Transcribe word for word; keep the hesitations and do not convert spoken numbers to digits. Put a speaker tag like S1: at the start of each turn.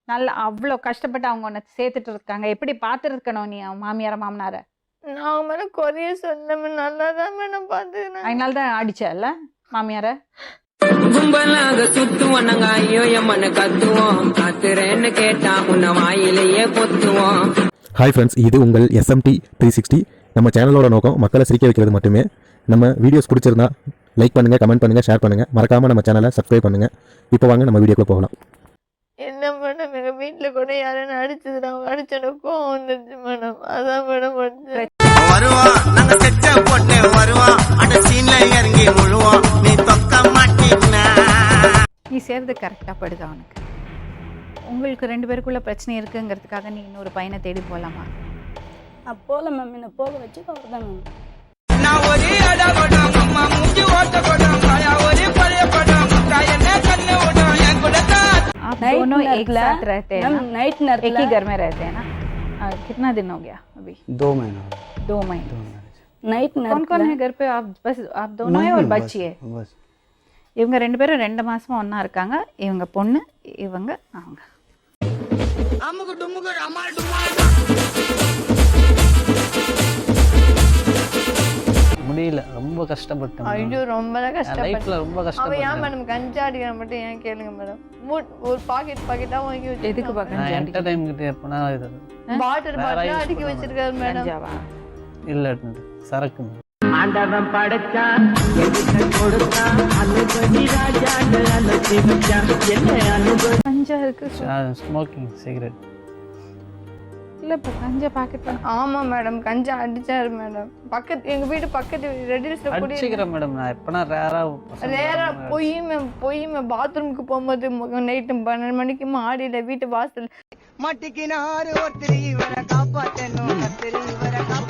S1: நல்ல அவ்வளோ கஷ்டப்பட்டு அவங்க உன்னை சேர்த்துட்டு இருக்காங்க. எப்படி பார்த்துருக்கணும் நீ மாமியார மாமனார?
S2: நான் மேடம் குறைய சொல்ல நல்லா தான் மேடம் பார்த்துக்கிறேன்.
S1: அதனால தான் அடிச்சல மாமியார.
S3: கும்பலாக சுத்துவோம் நாங்க ஐயோ எம்மனு கத்துவோம், காத்துறேன்னு கேட்டா உன்ன வாயிலேயே பொத்துவோம்.
S4: ஹாய் ஃப்ரெண்ட்ஸ், இது உங்கள் எஸ்எம்டி த்ரீ சிக்ஸ்டி. நம்ம சேனலோட நோக்கம் மக்களை சிரிக்க வைக்கிறது மட்டுமே. நம்ம வீடியோஸ் பிடிச்சிருந்தா லைக் பண்ணுங்கள், கமெண்ட் பண்ணுங்கள், ஷேர் பண்ணுங்கள். மறக்காமல் நம்ம சேனலை சப்ஸ்கிரைப் பண்ணுங்கள். இப்போ வாங்க நம்ம வீடியோக்குள்ளே போகலாம்.
S2: என்ன மேடம் எங்கள் வீட்டில் கூட யாரும் அடிச்சது நான் அடிச்சோட கோவம் வந்துருச்சு மேடம். அதான் மேடம்
S5: வருவான் நாங்க செட்ட போட்டு வருவான் அந்த சீன்ல இறங்கி முழுவான் நீ தொக்க மாட்டீங்கன்னா.
S1: நீ சேர்றது கரெக்டாக படுது அவனுக்கு. உங்களுக்கு ரெண்டு பேருக்குள்ள பிரச்சனை இருக்குங்கிறதுக்காக நீ இன்னொரு பையனை தேடி போகலாமா?
S6: போகல மேம், என்ன போக வச்சு அவர் தான் மேம்.
S5: நான் ஒரு அடபடம் அம்மா மூஞ்சி ஓட்ட படம் காயா ஒரு பழைய படம் காயனே கண்ணு ஓடும் என் கூட தான்.
S1: आप दोनों एक साथ रहते हैं ना?
S6: नाइट नर्स
S1: एक ही घर में रहते हैं ना? आ, कितना दिन हो गया अभी?
S7: दो महीना
S1: दो महीने
S6: नाइट नर्स
S1: कौन कौन है घर पे? आप बस आप दोनों है और बच्ची है?
S7: बस
S1: இவங்க ரெண்டு பேரும் ரெண்டு மாசமா ஒண்ணா இருக்காங்க. இவங்க பொண்ணு, இவங்க அவங்க.
S5: அம்முக்கு டும்முக்கு அம்மா டும்மா.
S7: முடியல, ரொம்ப கஷ்டப்பட்டேன்.
S2: ஐயோ ரொம்ப கஷ்டப்பட்டேன்.
S7: லைஃப்ல ரொம்ப
S2: அவன் ஏன்
S7: கஷ்டப்பட்டேன்.
S2: மேடம் கஞ்சா அடிக்கிற மட்டும் ஏன் கேளுங்க மேடம். மூட் ஒரு பாக்கெட் பாக்கெட்டா வாங்கி வச்சு
S1: எதுக்கு
S7: நான்
S1: பார்க்க
S7: என்டர்டைன் கிட்ட எப்பனா இது
S2: பாட்டில்
S7: வேற
S2: பாட்டிலா
S7: use
S2: அடிக்க
S7: பண்ண
S2: வச்சிருக்காரு மேடம்.
S1: கஞ்சாவா?
S7: இல்ல சரக்கு.
S3: ஆண்டவன் படைச்சா எதுக்கு கொடுத்தா அனுபவி ராஜாண்டு அனுப்பி வச்சா என்ன அனுபவி.
S1: கஞ்சா இருக்கு
S7: ஸ்மோக்கிங் சிகரெட்.
S1: இல்ல இப்போ கஞ்சா பாக்கெட்.
S2: ஆமா மேடம் கஞ்சா அடிச்சாரு மேடம். பக்கத்து எங்க வீட்டு பக்கத்து ரெடில்ஸ்ல கூட
S7: அடிச்சுக்கிறேன் மேடம். நான் எப்பனா ரேரா
S2: ரேரா போய் போய் பாத்ரூமுக்கு போகும்போது நைட்டு பன்னெண்டு மணிக்கு மாடியில வீட்டு வாசல்
S5: மாட்டிக்கினாரு ஒருத்தர் இவரை காப்பாத்தணும் கத்திரி இவரை